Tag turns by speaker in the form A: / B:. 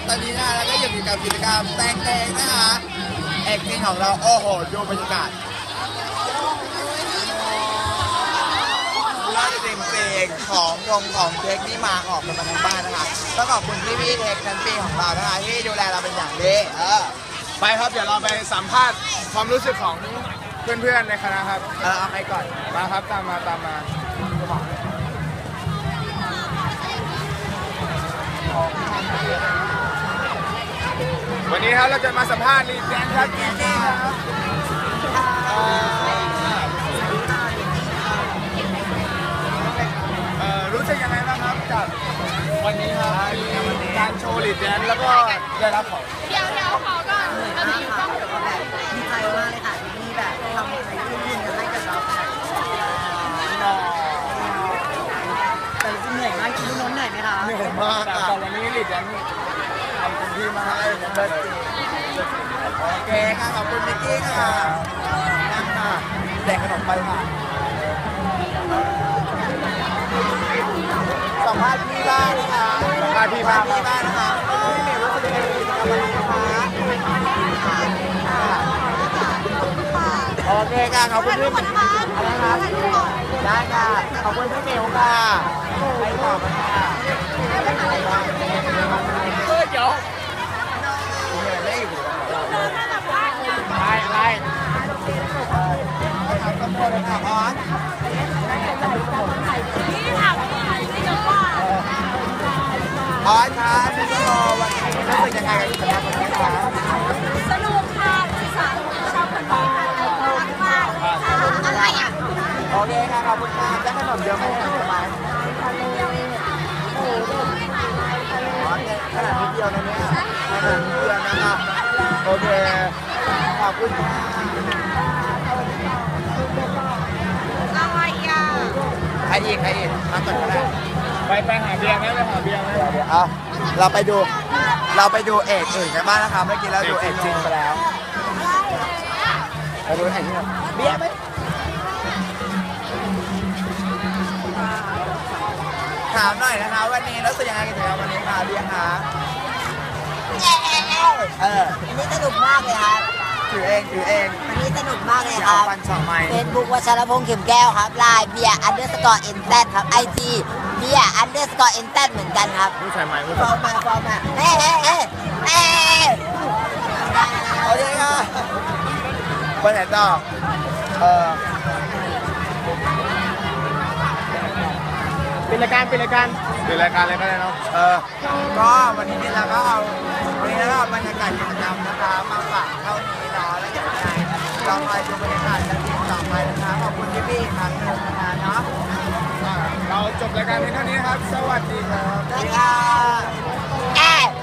A: ตอนนี้นะแล้วก็อยู่กับกิจกรรมแต่งเพลงนะคะเอกจริงของเราโอ้โหดูบรรยากาศจริงๆของเทคนี่มาออกกันมาทั้งบ้านนะคะต้องขอบคุณพี่เทคทั้งปีของเรานะคะที่ดูแลเราเป็นอย่างดี
B: ไปครับเดี๋ยวเราไปสัมภาษณ์ความรู้สึกของเพื่อนๆในคณะครับ
A: เอาใครก่อน
B: มาครับตามมาวันนี้ครับเราจะมาสัมภาษณ์ลีดแดนครับกีกี้ครับรู้สึกยังไงบ้างครับกับวันนี้ครับมีการโชว์ลีดแดนแล้วก็ได้รับของ
C: เดี๋ยวขอก่อนเราจะอยู่กล้องอยู่แบบ
D: ดีใจมากเลยค่ะที่แบบทำอะไรยื่นให้กับเราแต่เหนื่อยมากคิดน้นเหนื่อยไหมคะ
B: เหนื่อยมากแต่วันนี้ลีดแดนทำเต็มที่มากเลย
A: โอเคค่ะขอบคุณมิกกี้ค่ะนั่งค่ะแจกขนมไปค่ะสัมภาษณ์พี่บ้างนะคะ
B: สัมภาษณ์พี่บ้าง
A: นะคะพี่เมย์รู้สึกยังไงกับวันนี้นะคะโอเคค่ะขอบคุณพี่อะไรคะได้ค่ะขอบคุณพี่เมย์ค่ะไปต่อมาค่ะ
B: เดี๋ยวไล่
A: ทำกระโปรงค่ะออนออนค่ะพี่โตวันนี้รู้สึกยังไงกับกิจกรรมวันนี้คะ
C: สนุกค่ะสาวชอบคนนี้ค่ะรักมากอะไรอ่ะ
A: โอเคค่ะขอบคุณค่ะได้ขนมเยอะไหมไหมขนาดนิดเดียวนะเนี่ยขนาดนิดเดียวนะคะโอเคขอบคุณค่ะ
C: อะไรอ่ะ
A: ใครอีกมาก่อนก็ได้
B: ไปหาเบียร์ไหมไปหาเบียร์ไหม
A: เดี๋ยวเราไปดูเอกอื่นกันบ้างนะคะเมื่อกี้เราดูเอกจริงไปแล้วไปดูเอกนี่เบียร์ไหมถามหน่อยนะคะวันนี้รู้สึกยังไงกันถึงวันนี้คะเบียร์คะ
D: อันนี้สนุกมากเลยครับ
A: ถือเอง
D: อันนี้สนุกมากเลยครับ
A: ฟันสองไม้
D: เฟซบุ๊กวัชรพงษ์เข็มแก้วครับไลน์เบียร์ _NZ ครับ IG เบียร์ _NZ เหมือนกันครับ
B: ผู้ชายไม้ผู้
D: ฟอร์มาเฮ้
A: โอเคค่ะไปไหนต่อ
B: เป็นรายการเลยก็ได้เนาะ
A: ก็วันนี้เราก็เอาบรรยากาศกิจกรรมนะคะมาฝากเท่านี้เนาะแล้วเดี๋ยวยังไงเราไปดูบรรยากาศกันต่อไปนะคะขอบคุณพี่ๆครับเนาะ
B: เราจบรายการเพียงเท่านี้ครับสวัสดีครับ
A: สวัสดีค่ะ